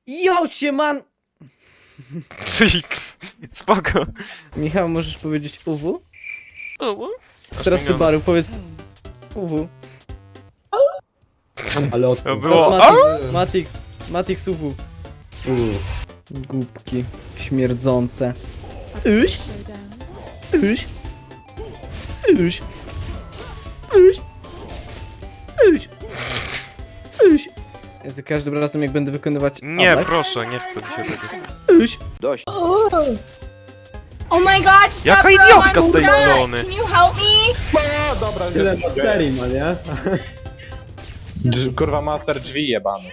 Jo, man! Cyk. Spoko. Michał, możesz powiedzieć UW? O, Teraz ty, Baru, powiedz UW. Ale od... To było. Matix UW. U. Głupki. Śmierdzące. Iś? Iś? Iś? Iś? Iś? Iś? Ja za każdym razem jak będę wykonywać Nie, atak. proszę, nie chcę mi się tego. Iś? Oh my god, stop, Jaka bro, idiotka z I'm tej stuck. Ilony. Can you help me? No dobra, Tyle masterii ma, nie? Kurwa master drzwi jebany.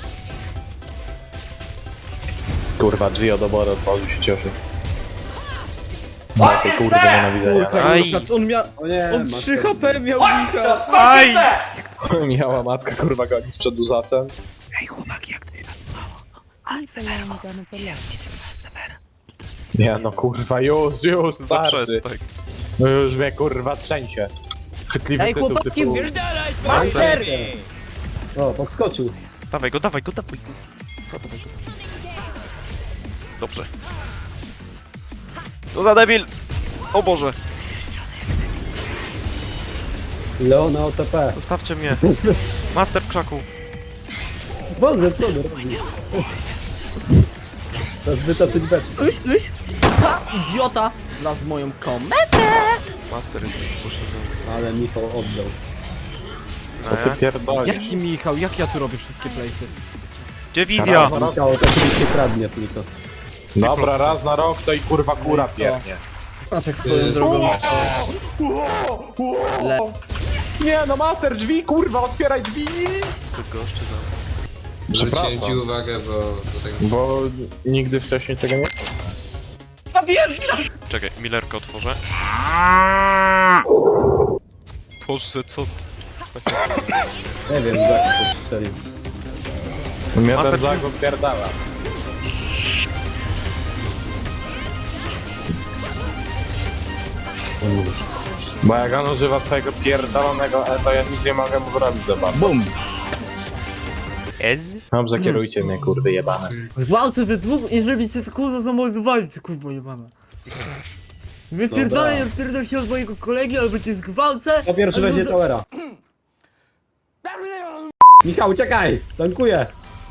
Kurwa drzwi od obory otworzył się cioszy. Jakie kurwa nienawidzenia. Kurka, Aj. on miał... O nie, On 3 HP miał, Michał! Aj! Miała matka kurwa goni z przedłużaczem. Nie no kurwa już starczy. Zaprzestań. No już mnie kurwa trzęsie. Chwytliwy Ej, tytuł chłopaki, typu... Master! O, podskoczył. Dawaj go, dawaj go, dawaj go. Dawaj go. Dobrze. Co za debil! O Boże, Leona OTP. zostawcie mnie. Master w krzaku. Wolne, co ty robisz? To jest wytoczyć beczkę. Iś! Ha, idiota! Wlazł w moją kometę! Master jest poszerzony. Ale Michał oddał. Co ty pierdolisz? Jaki Michał? Jak ja tu robię wszystkie playsy? Gdzie wizja? Michał oczywiście kradnie tylko. Dobra, raz na rok to i kurwa kura co? pierdnie. Znaczek swoją drogą. Le... Nie no master drzwi kurwa, otwieraj drzwi! Tylko goszczy za... Przepraszam. Zwróciłem ci uwagę, bo tak... Bo nigdy wcześniej tego nie... Zabiłem! Czekaj, Millerkę otworzę. Boże, co? Nie wiem, jak to strzelił. Mnie Master ten drzwi. zag odpierdala. Bo jak on używa swojego pierdolonego E, to ja nic nie mogę mu zrobić za bardzo. BUM! Ez? Dobrze, kierujcie mnie kurwy jebane. Gwałcę we dwóch i zrobicie co kurwa zamordowali, ty kurwa jebana. Wypierdolę, odpierdol się od mojego kolegi, albo cię zgwałcę! To pierwszy albo weźmie za- towera. Michał, uciekaj! Tankuję!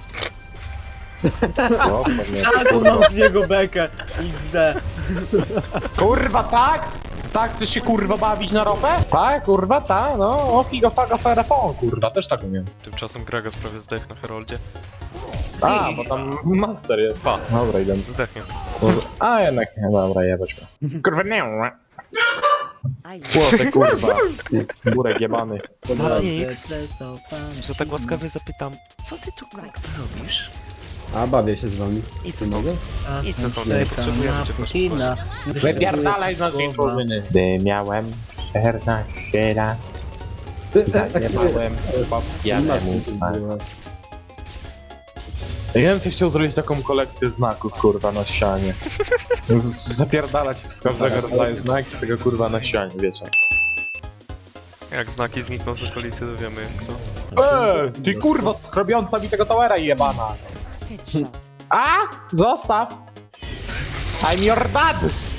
O, pewnie. Tak, mam z niego bekę, XD. Kurwa, tak? Tak, chcesz się kurwa bawić na ropę? Tak, kurwa, tak, no. O figo, faga, ferafon, kurwa, też tak umiem. Tymczasem Gragas prawie zdech na Heroldzie. A, bo tam master jest. Pa. Dobra, idę. Zdechnie. A, jednak nie, dobra, jebać go. Kurwa, nie. Płotek, kurwa. Burek jebany. Matix, że tak łaskawie zapytam, co ty tu robisz? A, bawię się z wami. Idź stąd. Idź stąd, nie potrzebujemy cię Putina. Wypierdalaj z naszej drużyny. Gdy miałem 14 lat, zajebałem pijanemu. Ja bym chciał zrobić taką kolekcję znaków, kurwa, na ścianie. Zapierdalać z każdego rodzaju znaki, z tego kurwa na ścianie, wiecie. Jak znaki znikną z okolicy, to wiemy kto. Ty kurwa, skrobiąca mi tego towera jebana. A? Zostaw! I'm your dad!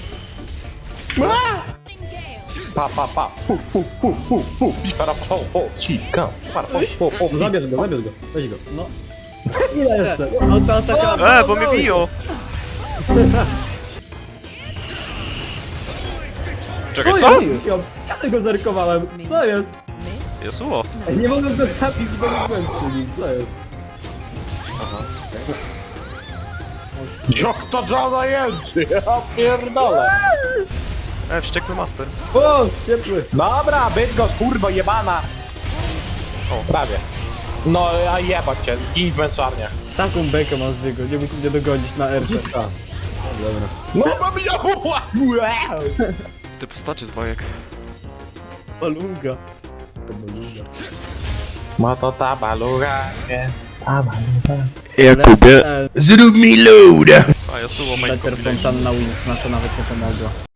Pa, pa, pa. Pu. Para, po, cika. Para, po. Zabierz go, weź go. No. Ile jeszcze? No to taka... Bo mnie biją! Czekaj, co? Michał, ja tego zerkowałem. Co jest? Jesuło! Ej, nie mogę go trafić, bo nie byłem strzelił. Co jest? Jak to żona jęczy, ja pierdolę. Wściekły master. O, ciepły. Dobra, Bydgoszcz, kurwa jebana. O. Prawie. No, a jebać cię, zgiń w męczarniach. Taką bekę ma z niego, nie mógł mnie dogonić na RC. A, dobra. No, mam ja. Ty postacie z bajek. Balunga. Ma to ta baluga, nie? Ta baluga. Jakubie. A Jesuło main Peter combination. Fontanna Wins nasza nawet nie pomogła.